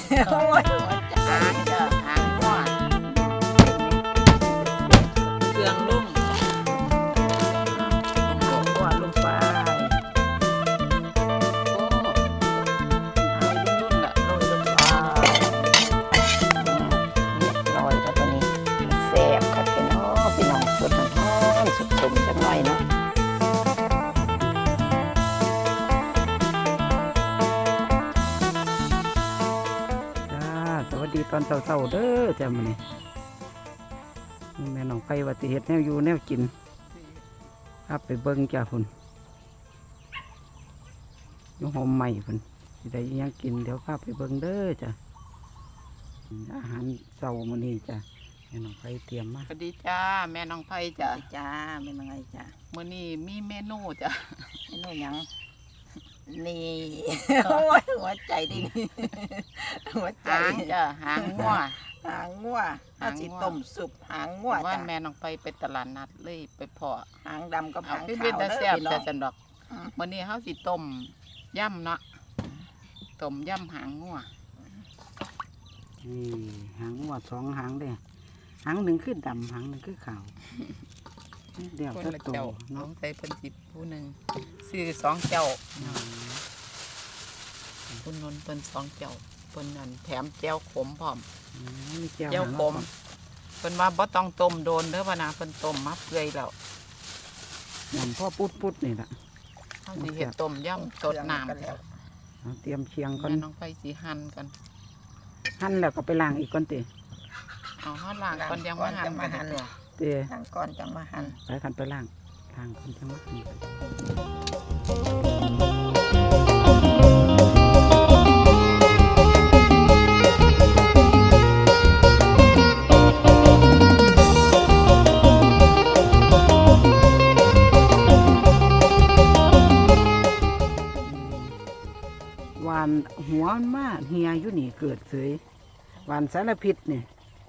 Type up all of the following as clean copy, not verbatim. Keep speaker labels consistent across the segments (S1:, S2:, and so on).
S1: โอ้ยหัวใจหางจ้ะหางงัวเครื่องลุ่มหัวงัวลงไปโอ้เอารุ่นๆละโรยลงไปเรียบร้อยแล้วตัวนี้แซ่บครับพี่น้องสดหอมสุกๆจังหน่อยเนาะ
S2: สวัสดีตอนเช้าๆเด้อจ้ามื้อนี้แม่น้องไปว่าสิเฮ็ดแนวอยู่แนวกินครับไปเบิ่งจ้าพุ่นอยู่หอมใหม่พุ่นสิได้อิหยังกินเดี๋ยวพาไปเบิ่งเด้อจ้าอาหารเช้ามื้อนี้จ้าแม่น้องไปเตรียมมาสวัสดีจ้าแม่น้องไผจ้า
S1: จ้าเป็นยังไงจ้า
S2: มื้อนี้มีเมนูจ้า
S1: เมนูหยังนี่โอ้ยหัวใจดิหัวใจ
S2: หางจ้าหางงัว
S1: หางงัว
S2: หางงัว
S1: ถ้าสิต้มสุปหางงัว
S2: ว่า
S1: จ้ะ
S2: แม่น้องไปตลาดนัดเลยไปเพาะ
S1: หางดำกับ
S2: เอา
S1: หาง
S2: พี่
S1: ขา
S2: เป็น
S1: ว
S2: ตา
S1: เด้
S2: แซ่
S1: อบ พี่น้
S2: แต่
S1: อง
S2: สันดอกมื้อนี้เฮาสิต้มยำเนาะต้มยำหางงัวนี่หางงัว2หางเด้หางหนึ่งคือดำหางหนึ่งคือขาวเดี๋ยวจะโต
S3: น้อ
S2: เนาะ
S3: งใส่เพิ่นสิผู้หนึ่งซื้อ2เจ้าคุณนนท์เพิ่น2เจ้าเพิ่นนั่นแถมแจ่วขมพร้อม
S2: มี
S3: แจ่วขมเพิ่นว่าบ่ต้องต้มโดนเด้อว่านะเพิ่นต้มมาเปื่อยแล้ว
S2: หอมพ่อปุดนี่ล่ะ
S3: เฮาสิเฮ็ดต้มยำสดน้ำ
S1: กันแล้ว
S2: เอาเตรียมเชียงก่อน
S3: แม่น้องไปสิหั่นกัน
S2: หั่นแล้วก็ไปล้างอีกก่อนติ
S3: เอาเฮาล้างก่อนยังมาหั่น
S1: จังมาหั่น
S2: เต้
S1: หางก่อนจังมาหั่น
S2: ไปคันไปล้างก่อนจังว่าหั่นหวานหัวมันมาเฮียอยู่นี่เกิดเสยหวานสารพิษนี่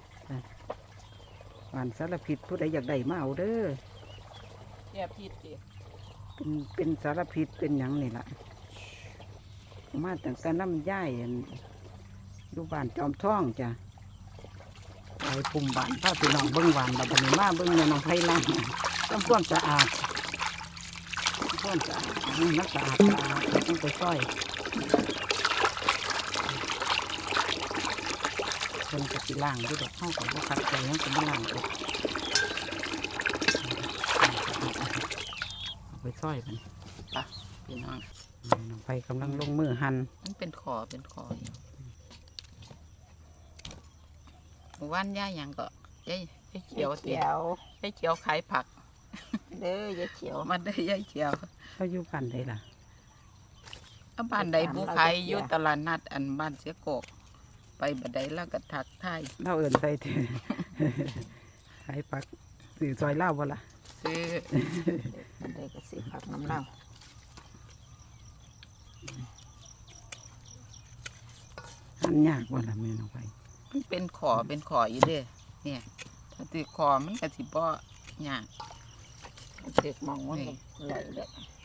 S2: หวานสารพิษผู้ใดอยากได้มาเอาเด้อ
S3: แย่ผิดติ
S2: เป็นสารพิษเป็นหยังนี่ล่ะมาตั้งแต่น้ำย่ายอั่นอยู่บ้านจอมท่องจ้ะไปปุ่มบ้านพาพี่น้องเบิ้งหวานบัดนี้มาเบิ้งในน้องไผ่ล่างทำความสะอาดทำความสะอาดให้มันสะอาดต้องไปซอยคนกับสิล่างด้วยดอกเข้ากับว่าคัดใจยังกับมาล่างอีกเอาไปซอยมัน
S3: พี่น้อง
S2: น้องไผ่กำลังลงมือหั่น
S3: มันเป็นขออยู่หมู่บ้านย่าหยังก็ยายเขียวติ
S1: เขียวย
S3: ายเขียวขายผัก
S1: เด้อยายเขียว
S3: มันได้ยายเขียว
S2: เขาอยู่บ้านใดล่ะ
S3: บ้านใดบุขายอยู่ตลาดนัดอันบ้านเสียโกกไปบัดใดแล้วก็ทักทาย
S2: เล่าเอินใส่เถอะ ขายผักสื่อซอยเล่าบ่ล่ะ
S3: ซื้อ
S1: มันได้กระสีผักน้ำเน่า
S2: หั่นยากบ่ล่ะแม่น้องไผ่
S3: มันเป็นขออยู่เด้เนี่ยถ้าติดขอมันก็สิบ่ยาก
S1: เด็กมองว่ามันไหลเลย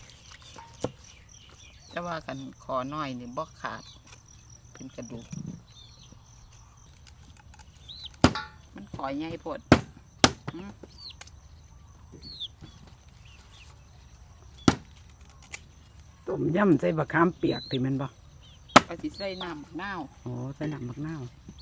S3: แต่ว่ากันขอน้อยนี่บ่ขาด เป็นกระดูกมันขอใหญ่โพด
S2: ต้มยำใส่บะขามเปียกที่แม่นบ่
S3: ก็สิใส่น้ำบักนาว
S2: โอ้ใส่น้ำบักนาว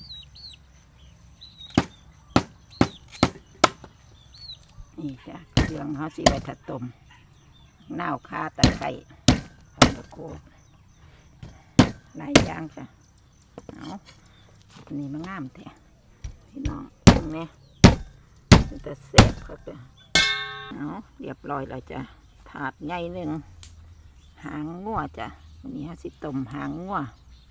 S1: นี่จ้ะเครื่องเขาสีไว้ถัดต้มเน่าวคาตะไคร้ข้าวโพดหลายอย่างจ้ะเอาอันนี้มันงามแท้พี่น้องเนี่ยมันจะเสพครับจ้ะเอาเรียบร้อยแล้วจ้ะถาดใหญ่หนึ่งหางงัวจ้ะวันนี้เขาสิต้มหางงัว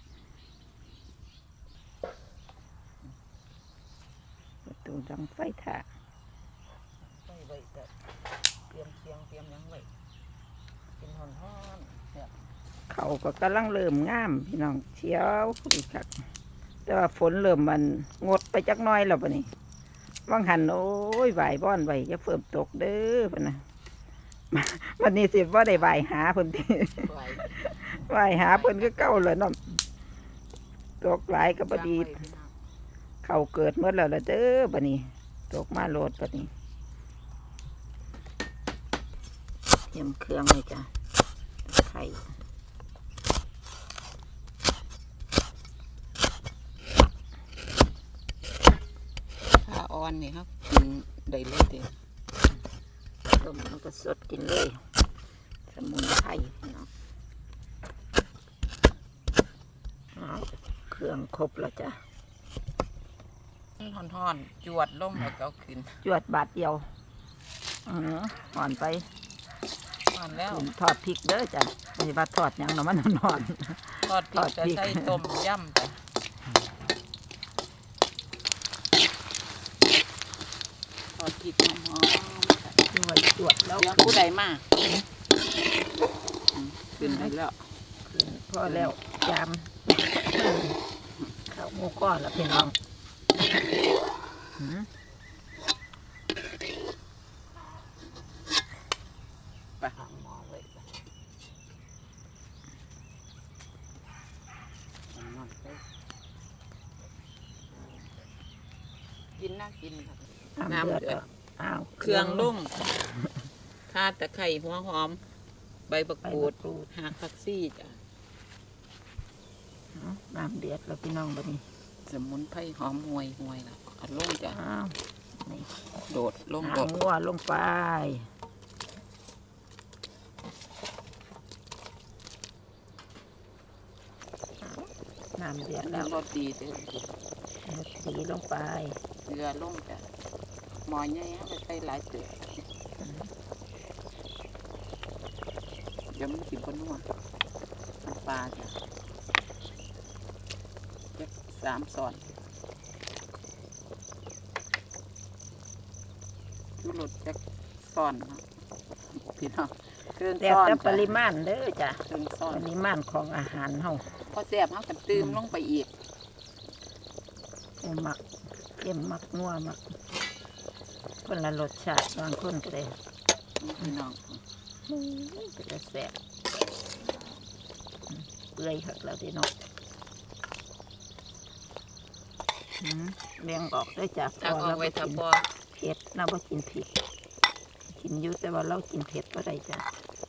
S1: ประตูดังไฟถ่า
S3: เตรียมเคียงเตรียมยังไว้กินฮ้อนๆเนี่ย
S1: เขาก็กำลังเริ่มงามพี่น้องเชียวอีกครับแต่ว่าฝนเริ่มมันงดไปจักหน้อยแล้วปะนี่ว่างหันโอ้ยไหวบ้อนไหวจะเฟิ่มตกเด้อปะนะวันนี้สิว่าได้ไหวหาเพิ่นที
S3: ไว้
S1: ไหวหาเพิ่นก็เก้าเลยเนาะตกหลายก็บ่ดีเข้าเกิดหมดแล้วล่ะเด้อบัดนี้ตกมาโลดบัดนี้เตรียมเครื่องเลยจ้ะไข่
S3: ผ้าอ่อนนี่ครับกินได้เลยเด้
S1: ต้มแล้วก็สดกินเลยสมุนไพรเนาะเอาเครื่องครบแล้วจ้ะ
S3: ห่อนๆจวดลงแล้วก็เอาขึ้น
S1: จวดบาทเดียวอ่อนไป
S3: ห่อนแล้ว
S1: ทอดพริกเด้อจ้ะไม่ใช่ว่าทอดหยังเนาะมันอ่อน
S3: ทอดพริกจะใส่ต้มยำจ้ะทอดพริกหอมๆ
S1: จวดจวดแล้ว
S3: เดี๋ยวผู้ใดมาขึ้นได้แล้ว
S1: พอแล้วจามข้าวหมูก้อนแล้วพี่น้อง
S3: ไปหาหมอเลยกินน่ากินครับ น้ำเดือด
S1: อ้าว
S3: เครื่องลุ่งข่าตะไคร้หัวหอม ใบบัก
S1: ไป
S3: กูด
S1: ดูด
S3: หากผักซี่จ้ะ
S1: น้ำเดือดแล้วพี่น้องบัดนี้
S3: สมุนไพรหอมห่วยแล้วเอาลงจ้ะ
S1: อ้าวนี่
S3: โดดลง
S1: หา
S3: โดด
S1: งัวลงไปน้ำเดือดแล้ว
S3: รสดีเด้อ
S1: สีลงไป
S3: เกลือลงจ้ะหมอใหญ่ให้ไปใส่หลายเตือเดี๋ยวมันกินบนนัวน้ำปลาจ้ะจัก3 ช้อนชูรสจักช้อนเนาะพี่น้องเครื่อง
S1: แต่
S3: ช้อน
S1: แต่ป
S3: จ้ะ
S1: ริมาณเด้อจ้ะ
S3: เครื่องช้อ
S1: ป
S3: น
S1: ริมาณของอาหารเฮา
S3: พอแซ่บเฮาก็ตื่มลงไปอีก
S1: หมักเค็มหมักนัวหมักคนละรสชาติบางคนก็ได้
S3: พี่น้อง
S1: เป็นแต่แซ่บเปื่อยคักแล้วพี่น้องแบ่งออกได้จาก
S3: ตักเอาไว้ถ้าพอ
S1: เผ็ดเราบ่กินเผ็ดกินอยู่แต่ว่าเรากินเผ็ดบ่ได้จ้ะ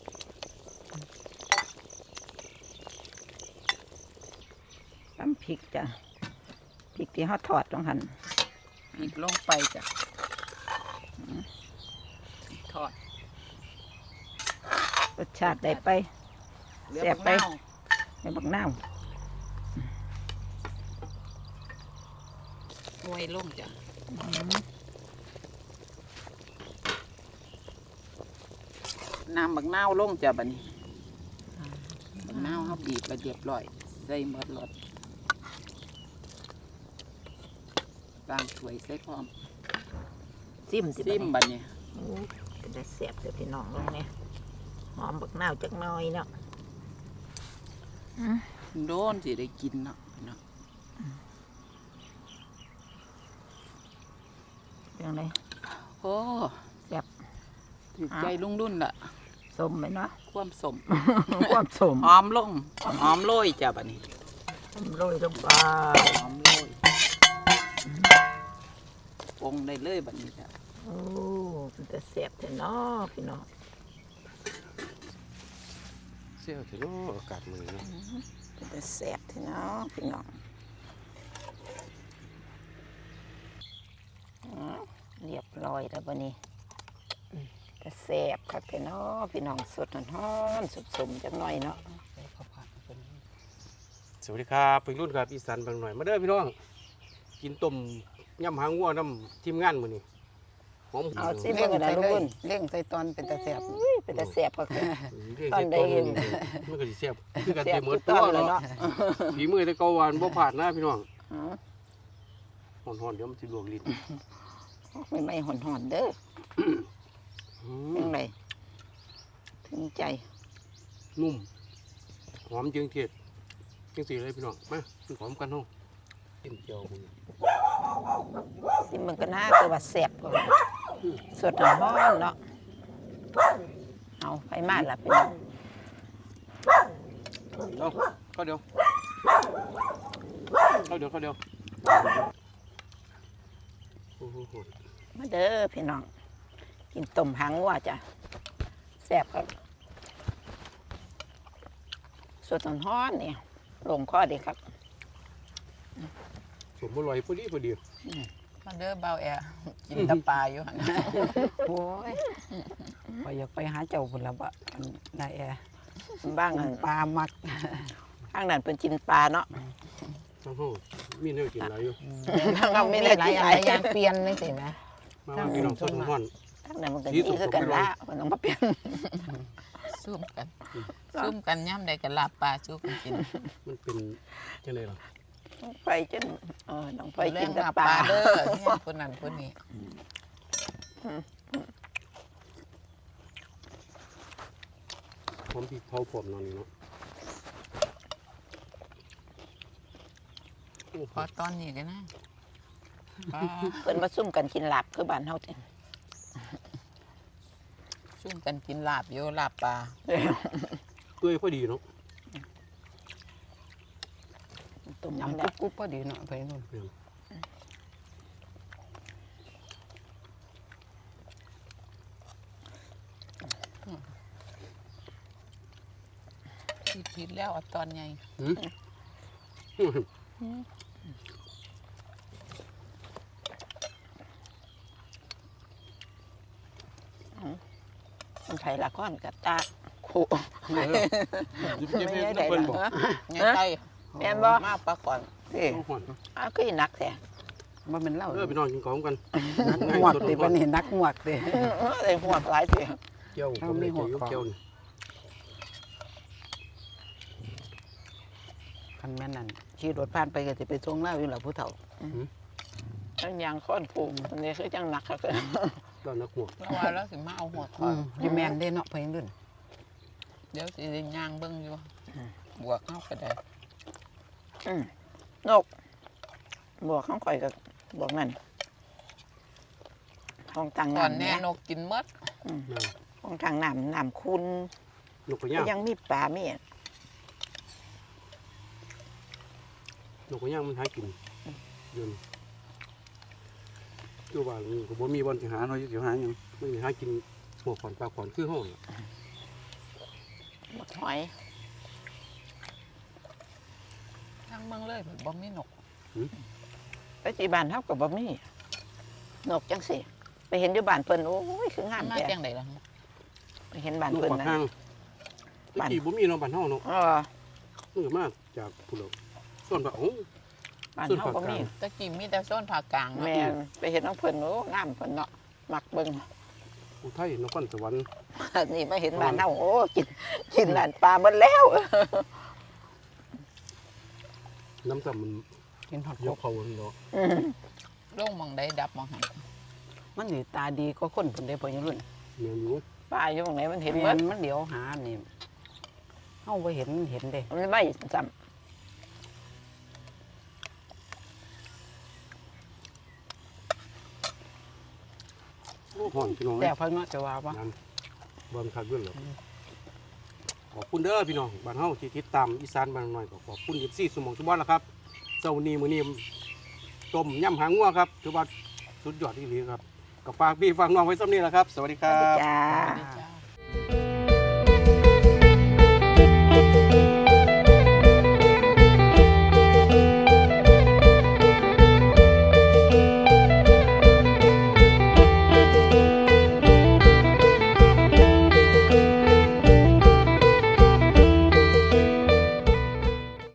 S1: ตำพริกจ้ะพริกที่เขาทอดต้องหั่น
S3: อีกลงไปจ้ะทอด
S1: รสชาติได้ไป
S3: เหลือ
S1: แซ่บ
S3: บัก
S1: ไป
S3: นาว
S1: ในบักน้าว
S3: หวยลงจ้ะน้ำบักนาวลงจ้ะบัดนี้บักนาวเขาบีบไปเรียบร้อยใส่หมดรสบางถ้วยใส่พร้อม
S1: ซิมสิ
S3: ซิม
S1: บั
S3: บั
S1: ด
S3: ด
S1: นี้
S3: นี้
S1: เป็นแต่แซ่บเด้อพี่น้องลงเนี่ยหอมบักน้าวจักหน่อยเนาะ
S3: โดนสิได้กินเนาะพี่น้อง
S1: เรื่องไร
S3: โอ้
S1: แซ่บ
S3: ถูกใจลุงรุ่นละ
S1: สมไหมเนาะ
S3: ความสม
S1: ความสม
S3: หอมลงหอมโรยจ้ะบัดนี้
S1: โรยลงไป
S3: หอมโรยปรุงได้เลยบัดนี้จ้ะ
S1: โอ้เป็นแต่แซ่บแต่เนาะพี่น้อง
S4: เสี้ยวถึงอากาศมือเนาะ
S1: เป็นแต่แซ่บแต่เนาะพี่น้องเรียบร้อยแล้วบัดนี้แต่แซ่บคักแต่เนาะพี่น้องสดฮ้อนๆสมๆจักหน่อยเนาะ
S4: สวัสดีครับเป็นรุ่นครับอีสานบางหน่อยมาเด้อพี่น้อง กินต้มยำหางวัวน้ำทีมงานมื้อนี้หอม
S1: เอาสิเบิ่งกันนะลุงบุญ
S2: เร่งใส่ตอนเป็นตะแสบ
S1: อุ้ยเป็นแต่แซ่บคักแต่
S4: เรียก
S1: ตอน
S4: เสีย
S1: ใด
S4: ตอนนี้มันก็สิแซ่บคือกัน
S1: แซ่
S4: เต็
S1: บ
S4: มหม
S1: ทุ
S4: ด
S1: กต
S4: ตั
S1: อ
S4: วน
S1: เลย
S4: เนาะ
S1: เนาะ
S4: ฝีมือแต่เก่าหวานบ่ผ่านนะพี่น้อง
S1: อ๋อ
S4: ฮ้อนๆเดี๋ยวมันสิลวกลิ้น
S1: ไม่หอนๆเด้อ
S4: อื
S1: เรื่อ
S4: ม
S1: งไรถึงใจ
S4: นุ่มหอมจึงเทียดจังสิเลยพี่น้องมากินหอมกันเฮากินเจียวมื้อ
S1: สิมันก็น่าคือว่าแซ่บกว่าสดฮ้อนเนาะเอาไปมาล่ะพี่น้อง
S4: เอาก็เดี๋ยวเดียวโอ้โห
S1: มาเด้อพี่น้องกินต้มหางวัวจ้ะแซ่บครับสดร้อนๆนี่ลงคอดีครับ
S4: สมบูรณ์พอดี
S3: มาเด้อเบาแอกินแตะปลาอยู่หั่น
S2: โอ้ยไปอยากไปหาเจ้าพุ่นละบะนายแอ
S1: บ้างอัน
S2: ปลามัก
S1: ข้างนั้นเป็นกินปลาเนาะ
S4: ทั้งห้องมีเนื้อกินหลายอยู่
S1: ข้างนั้นไม่ได้
S2: หลาย
S1: ที่
S2: อั
S1: ไห
S2: น
S1: น
S2: หลายอย่างเปลี่ยนนี่สิแม่
S4: มาพี่น้องสดร้อน
S1: ข้างนั้นมันก็ดีคือกันละมันต้องมาเปลี่ยน
S3: ซุ่มกันย่ำใดกันลาบปลาสู้กันกิน
S4: มันเป็นจังได๋ล่ะ
S1: ไปจนต้องไป
S3: เรื่
S1: กิ
S3: อน ง
S1: แต่
S3: ลาบ
S1: ป
S3: ป
S1: ลา
S3: ลาเด้อเนี่ยคนนั้นคนนี้
S4: ผมพี่เผาผมนอนนี่เนาะ
S3: พอตอนนี้กันนะปลา
S1: เพิ่นมาซุ่มกันกินลาบคือบ้านเฮาจ้ะ
S3: ซุ่มกันกินลาบอยู่ลาบปลา
S4: เปื่อยพอดีเนาะ
S1: ต้ม
S2: ยำ
S1: น้ำ
S2: กุ๊บพอดีเนาะไปนู่น
S3: ผิดแล้วเอาตอนใหญ่
S1: มันไผละก้อนกับตาคู่
S4: ยิบเย็บเพิ่นบอก
S3: ไงไก่
S1: แม่นบ่
S3: มากปลาก่อน
S1: สิ
S4: ห่อน
S1: ก็อีนักแท้
S2: ว่ามันเล่า
S4: พี่น้องกินของกัน
S2: นักหมวกติเป็นเห็นนักหมวกติ
S1: ได้หัวหลายเสีย
S4: เกี่ยวผมได้เกี่ยวนี่
S2: คันแม่นนั่นขี่รถผ่านไปก็จะไปส่งเล่าอยู่หล่ะผู้เฒ่า
S1: ทั้งยางค้อนผูกอันนี้คือจังหนักครับ
S4: ก็นักหัว
S3: แล้วว่าแล้วสิมาเอาหัวคอ
S2: อยู่แม่นได้เนาะไปนู่น
S3: เดี๋ยวสิได้ย่างเบิ่งอยู่บวกเข้าก็ได้
S1: นกบวกข้างข่อยกับบวกนั่นห้องต่าง
S3: ก่อน
S1: น้ำ
S3: แน่
S1: เนี่ย
S3: นกกินหมด
S1: ห้องต่างน้ำคุณ
S4: นกกระ
S1: ก็
S4: ย่าง
S1: ยังมีปลามี
S4: นกกระย่างมันหากินยืนตัวว่านี่ก็บ่มีบอลสิหาเนาะสิหาหยังไม่หากินหัวขอนปลาขอนคือห้อง
S1: บักหอย
S3: ทั้งเมืองเลยบ่มีนก
S1: ไปที่บ้านเฮากับบ่มีนกจังสิไปเห็นอยู่บ้านเพิ่นโอ้ยคืองาม
S3: มา
S1: แท้
S3: จังไดล่ะ
S1: ไปเห็นบ้าน
S4: นก
S1: เพิ่น
S4: ปาก
S1: นะ
S4: ห้างตะกี้บ่มีเนาะบ้านเฮาเนาะ มือมากจากผู้เราส่วนแบบโอ้
S1: บ้านเฮาบ่มี
S3: ตะกี้มีแต่โซนภาคกลางเนาะ
S1: แม่นไปเห็นน้องเพิ่นโอ้งามเพิ่นเนาะมักเบิ่ง
S4: อุทัยนครสวรรค์
S1: นี่มาเห็นบ้านเฮาโอ้กินหลานปลาหมดแล้ว
S4: น้ำซ้ำมัน
S2: กินฮอด
S4: ย
S2: ก
S4: กเขาเนาะ
S3: ลงหมองใดดับหมองหัน
S2: มันนี่ตาดีก็คนพุ่นได้พอยังรุ่น
S4: เมียอยู่
S1: ปลาอยู่ตรงไหนมันเห็นหม
S2: แม่
S1: ด
S2: นมันเดี๋ยวหานี่เฮาบ่เห็นเด้
S1: มันไม่ซ้ำ
S4: โอ้ห่อนพี่น้อง
S2: แต่พอเนาะจะว่าว่า
S4: นั่นบอลคักด้วยเหรอขอบคุณเด้อพี่น้องบ้านเฮาที่ติดตามอีสานบ้านหน่อยก็ขอบคุณ24สมองทุกบ้านแล้วครับเช้านี้มื้อนี้ต้มยำหางงัวครับถือว่าสุดยอดที่ดีครับก็ฝากพี่ฝากน้องไว้ซ้ำนี้แหละครับ สวัสดีค
S1: ส
S4: รั
S1: วัสดี
S4: บ
S1: จ้า
S3: สวัสดีจ้า